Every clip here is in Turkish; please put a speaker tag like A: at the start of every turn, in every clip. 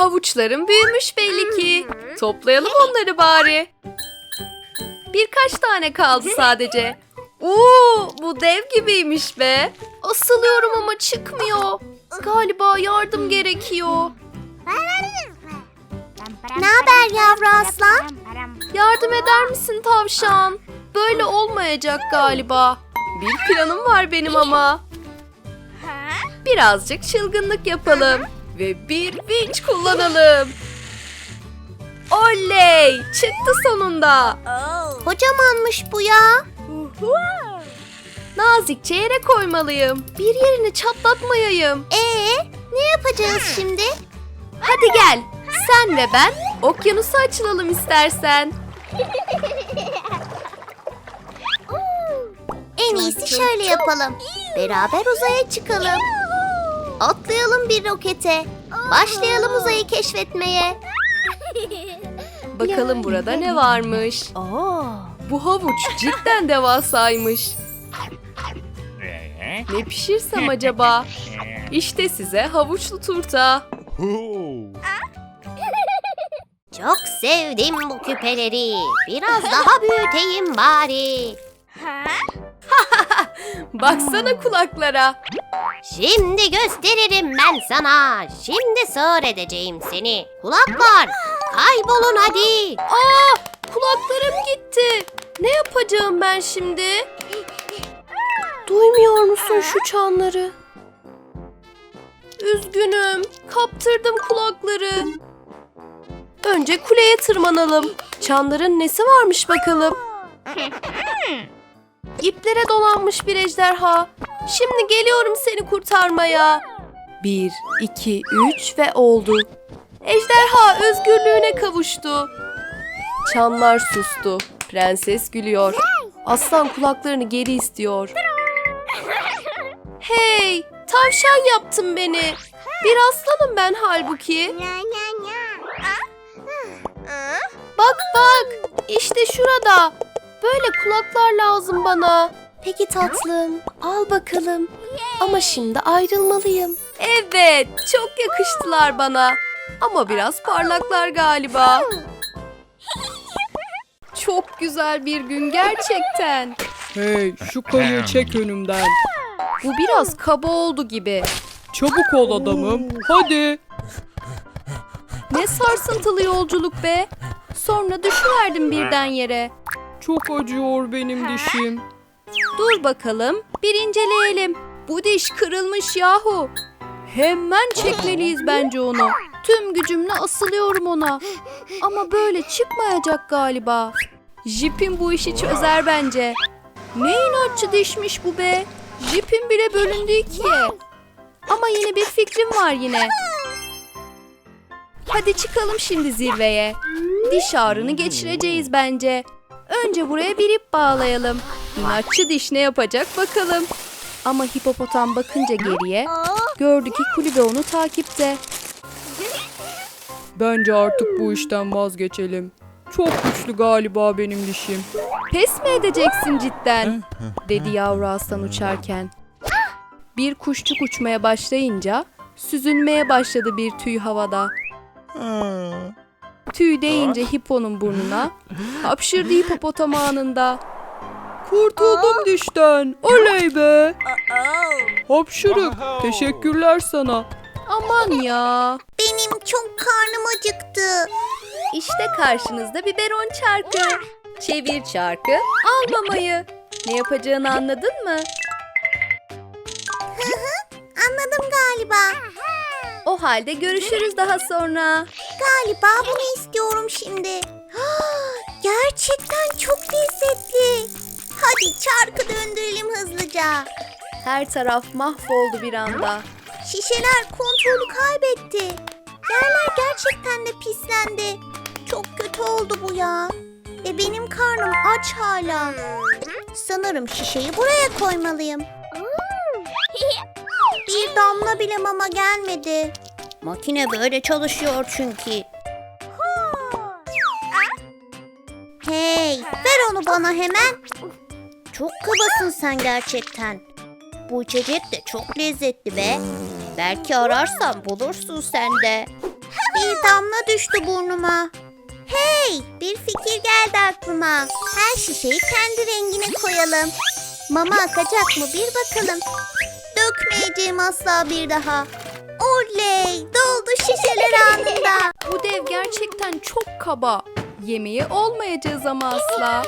A: Havuçlarım büyümüş belli ki. Toplayalım onları bari. Birkaç tane kaldı sadece. Bu dev gibiymiş be. Asılıyorum ama çıkmıyor. Galiba yardım gerekiyor.
B: Ne haber yavru aslan?
A: Yardım eder misin tavşan? Böyle olmayacak galiba. Bir planım var benim ama. Birazcık çılgınlık yapalım. Ve bir vinç kullanalım. Oley! Çıktı sonunda.
B: Kocamanmış bu ya.
A: Nazikçe yere koymalıyım. Bir yerini çatlatmayayım.
B: Ne yapacağız şimdi?
A: Hadi gel. Sen ve ben okyanusa açılalım istersen.
B: En iyisi şöyle yapalım. Beraber uzaya çıkalım. Atlayalım bir rokete. Başlayalım uzayı keşfetmeye.
A: Bakalım burada ne varmış. Bu havuç cidden devasaymış. Ne pişirsem acaba? İşte size havuçlu turta.
B: Çok sevdim bu küpeleri. Biraz daha büyüteyim bari.
A: Baksana kulaklara.
B: Şimdi gösteririm ben sana. Şimdi sığır edeceğim seni. Kulaklar, kaybolun hadi.
A: Kulaklarım gitti. Ne yapacağım ben şimdi? Duymuyor musun şu çanları? Üzgünüm. Kaptırdım kulakları. Önce kuleye tırmanalım. Çanların nesi varmış bakalım. İplere dolanmış bir ejderha. Şimdi geliyorum seni kurtarmaya. 1, 2, 3 ve oldu. Ejderha özgürlüğüne kavuştu. Çanlar sustu. Prenses gülüyor. Aslan kulaklarını geri istiyor. Hey, tavşan yaptın beni. Bir aslanım ben halbuki. Bak, işte şurada. Böyle kulaklar lazım bana. Peki tatlım, al bakalım. Ama şimdi ayrılmalıyım. Evet, çok yakıştılar bana. Ama biraz parlaklar galiba. Çok güzel bir gün gerçekten.
C: Hey, şu kayığı çek önümden.
A: Bu biraz kaba oldu gibi.
C: Çabuk ol adamım. Hadi.
A: Ne sarsıntılı yolculuk be. Sonra düşüverdim birden yere.
C: Çok acıyor benim dişim.
A: Dur bakalım, bir inceleyelim. Bu diş kırılmış yahu. Hemen çekmeliyiz bence onu. Tüm gücümle asılıyorum ona. Ama böyle çıkmayacak galiba. Jipim bu işi çözer bence. Ne inatçı dişmiş bu be. Jipim bile bölündü ikiye. Ama yine bir fikrim var yine. Hadi çıkalım şimdi zirveye. Diş ağrını geçireceğiz bence. Önce buraya bir ip bağlayalım. İnatçı diş ne yapacak bakalım. Ama hipopotam bakınca geriye gördü ki kulübe onu takipte.
C: Bence artık bu işten vazgeçelim. Çok güçlü galiba benim dişim.
A: Pes mi edeceksin cidden? Dedi yavru aslan uçarken. Bir kuşçuk uçmaya başlayınca süzülmeye başladı bir tüy havada. Tüy değince hiponun burnuna hapşırdı hipopotam anında.
C: Kurtuldum dişten. Oley be. Hapşırık. Teşekkürler sana.
A: Aman ya.
B: Benim çok karnım acıktı.
A: İşte karşınızda biberon çarkı. Çevir çarkı, al mamayı. Ne yapacağını anladın mı?
B: Anladım galiba.
A: O halde görüşürüz daha sonra.
B: Galiba bunu istiyorum şimdi. Gerçekten çok lezzetli. Hadi çarkı döndürelim hızlıca.
A: Her taraf mahvoldu bir anda.
B: Şişeler kontrolü kaybetti. Yerler gerçekten de pislendi. Çok kötü oldu bu ya. Ve benim karnım aç hala. Sanırım şişeyi buraya koymalıyım. Bir damla bile mama gelmedi. Makine böyle çalışıyor çünkü. Hey, ver onu bana hemen. Çok kabasın sen gerçekten. Bu içecek de çok lezzetli be. Belki ararsan bulursun sen de. Bir düştü burnuma. Hey, bir fikir geldi aklıma. Her şişeyi kendi rengine koyalım. Mama akacak mı bir bakalım. Dökmeyeceğim asla bir daha. Oley, doldu şişeler anında.
A: Bu dev gerçekten çok kaba. Yemeği olmayacağız ama asla.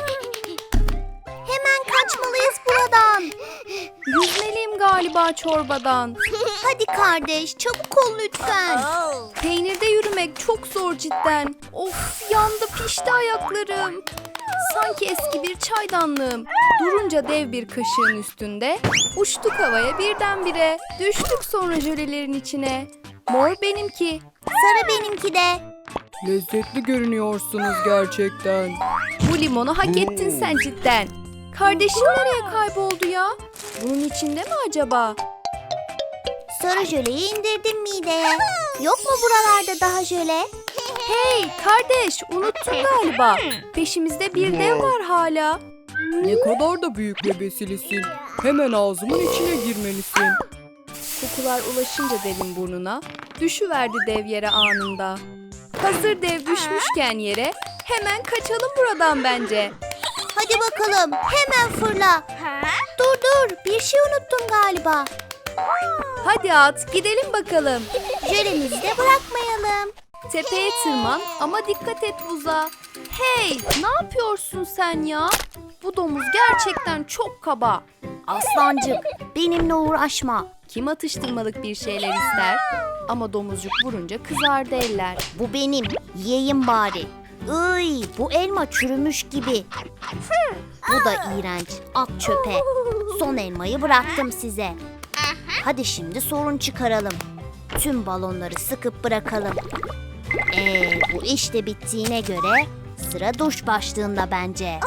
B: Hemen kaçmalıyız buradan.
A: Yüzmeliyim galiba çorbadan.
B: Hadi kardeş, çabuk ol lütfen.
A: Peynirde yürümek çok zor cidden. Of, yandı pişti ayaklarım. Sanki eski bir çaydanlığım. Durunca dev bir kaşığın üstünde. Uçtuk havaya birdenbire. Düştük sonra jölelerin içine. Mor benimki.
B: Sarı benimki de.
C: Lezzetli görünüyorsunuz gerçekten.
A: Bu limonu hak ettin sen cidden. Kardeşim nereye kayboldu ya? Bunun içinde mi acaba?
B: Sarı jöleyi indirdim mideye. Yok mu buralarda daha jöle?
A: Hey kardeş, unuttun galiba. Peşimizde bir dev var hala.
C: Ne kadar da büyük ve besilisin. Hemen ağzımın içine girmelisin.
A: Kokular ulaşınca devin burnuna, düşüverdi dev yere anında. Hazır dev düşmüşken yere, hemen kaçalım buradan bence.
B: Hadi bakalım, hemen fırla. Dur, bir şey unuttum galiba.
A: Hadi at, gidelim bakalım.
B: Jölemizi de bırakmayalım.
A: Tepeye tırman ama dikkat et buza. Hey, ne yapıyorsun sen ya? Bu domuz gerçekten çok kaba.
B: Aslancık, benimle uğraşma.
A: Kim atıştırmalık bir şeyler ister? Ama domuzcuk vurunca kızardı eller.
B: Bu benim, yiyeyim bari. Iy, bu elma çürümüş gibi. Bu da iğrenç, at çöpe. Son elmayı bıraktım size. Hadi şimdi sorun çıkaralım. Tüm balonları sıkıp bırakalım. Bu iş de bittiğine göre sıra duş başlığında bence.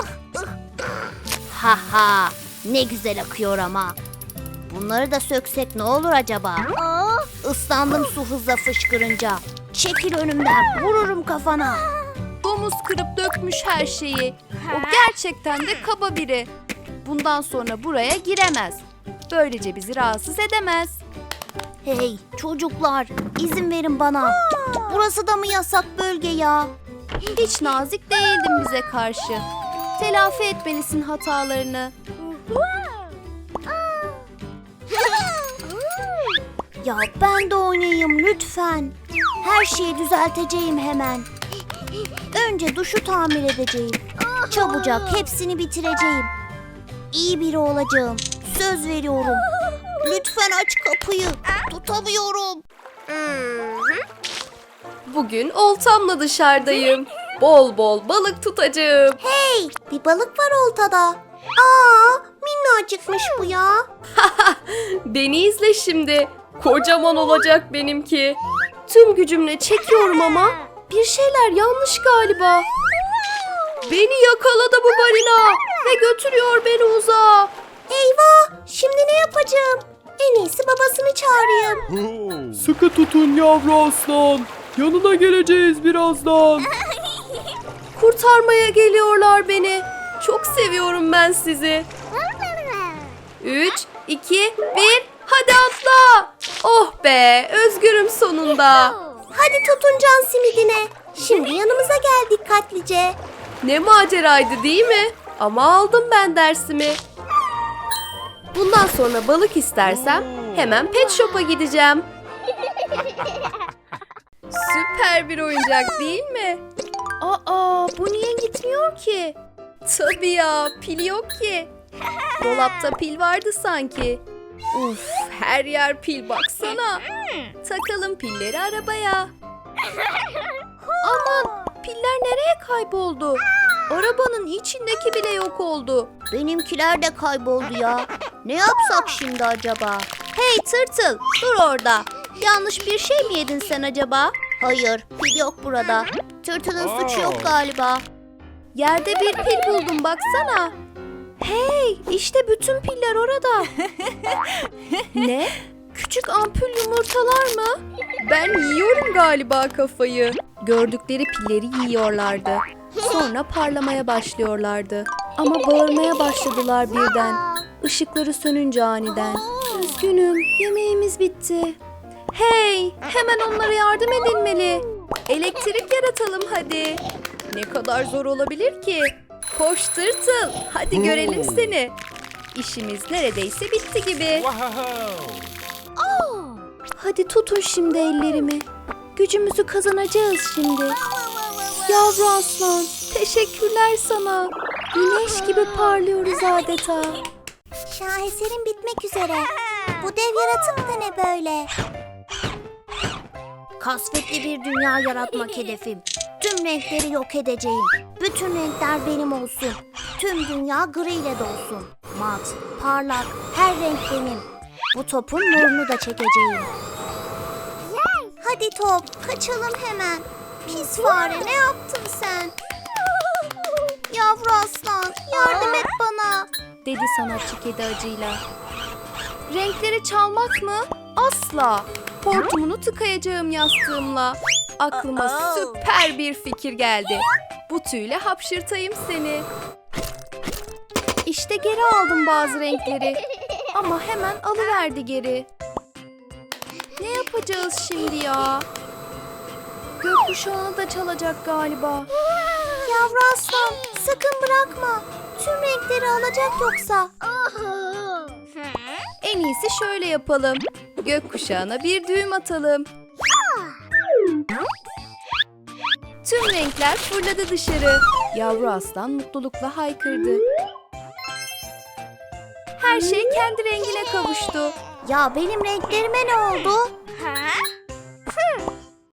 B: Ha ha, ne güzel akıyor ama. Bunları da söksek ne olur acaba? Islandım su hızla fışkırınca. Çekil önümden, vururum kafana.
A: Domuz kırıp dökmüş her şeyi. O gerçekten de kaba biri. Bundan sonra buraya giremez. Böylece bizi rahatsız edemez.
B: Hey çocuklar, izin verin bana. Burası da mı yasak bölge ya?
A: Hiç nazik değildin bize karşı. Telafi etmelisin hatalarını.
B: Ya ben de oynayayım lütfen. Her şeyi düzelteceğim hemen. Önce duşu tamir edeceğim. Çabucak hepsini bitireceğim. İyi biri olacağım. Söz veriyorum. Lütfen aç kapıyı. Tutamıyorum.
A: Bugün oltamla dışarıdayım. Bol bol balık tutacağım.
B: Hey, bir balık var oltada. Minnacıkmış bu ya.
A: Beni izle şimdi. Kocaman olacak benimki. Tüm gücümle çekiyorum ama bir şeyler yanlış galiba. Beni yakaladı bu balina ve götürüyor beni uzağa.
B: Eyvah, şimdi ne yapacağım? En iyisi babasını çağırayım.
C: Sıkı tutun yavru aslan. Yanına geleceğiz birazdan.
A: Kurtarmaya geliyorlar beni. Çok seviyorum ben sizi. 3, 2, 1, hadi atla. Oh be, özgürüm sonunda.
B: Hadi tutun can simidine. Şimdi yanımıza gel dikkatlice.
A: Ne maceraydı değil mi? Ama aldım ben dersimi. Bundan sonra balık istersem hemen pet shop'a gideceğim. Süper bir oyuncak değil mi? Aa, bu niye gitmiyor ki? Tabii ya, pil yok ki. Dolapta pil vardı sanki. Uf, her yer pil baksana. Takalım pilleri arabaya. Aman, piller nereye kayboldu? Arabanın içindeki bile yok oldu.
B: Benimkiler de kayboldu ya. Ne yapsak şimdi acaba?
A: Hey tırtıl, dur orada. Yanlış bir şey mi yedin sen acaba?
B: Hayır, pil yok burada. Tırtılın suçu yok galiba.
A: Yerde bir pil buldum baksana. Hey, işte bütün piller orada. Ne? Küçük ampul yumurtalar mı? Ben yiyorum galiba kafayı. Gördükleri pilleri yiyorlardı. Sonra parlamaya başlıyorlardı. Ama bağırmaya başladılar birden. Işıkları sönünce aniden. Üzgünüm, yemeğimiz bitti. Hey, hemen onlara yardım edilmeli. Elektrik yaratalım hadi. Ne kadar zor olabilir ki? Koş tırtıl. Hadi görelim seni. İşimiz neredeyse bitti gibi. Hadi tutun şimdi ellerimi. Gücümüzü kazanacağız şimdi. Yavru aslan, teşekkürler sana. Güneş gibi parlıyoruz adeta.
B: Şaheserin bitmek üzere. Bu dev yaratık da ne böyle? Kasvetli bir dünya yaratmak hedefim. Tüm renkleri yok edeceğim. Bütün renkler benim olsun. Tüm dünya gri ile dolsun. Mat, parlak, her renk benim. Bu topun nurunu da çekeceğim. Hadi top, kaçalım hemen. Pis fare, ne yaptın sen? Yavru aslan, yardım et bana.
A: Dedi sanatçı kedi acıyla. Renkleri çalmak mı? Asla. Hortumunu tıkayacağım yastığımla. Aklıma süper bir fikir geldi. Bu tüyle hapşırtayım seni. İşte geri aldım bazı renkleri. Ama hemen alıverdi geri. Ne yapacağız şimdi ya? Gökkuşağını da çalacak galiba.
B: Yavru aslan, sakın bırakma. Tüm renkleri alacak yoksa.
A: En iyisi şöyle yapalım. Gökkuşağına bir düğüm atalım. Tüm renkler fırladı dışarı. Yavru aslan mutlulukla haykırdı. Her şey kendi rengine kavuştu.
B: Ya benim renklerime ne oldu?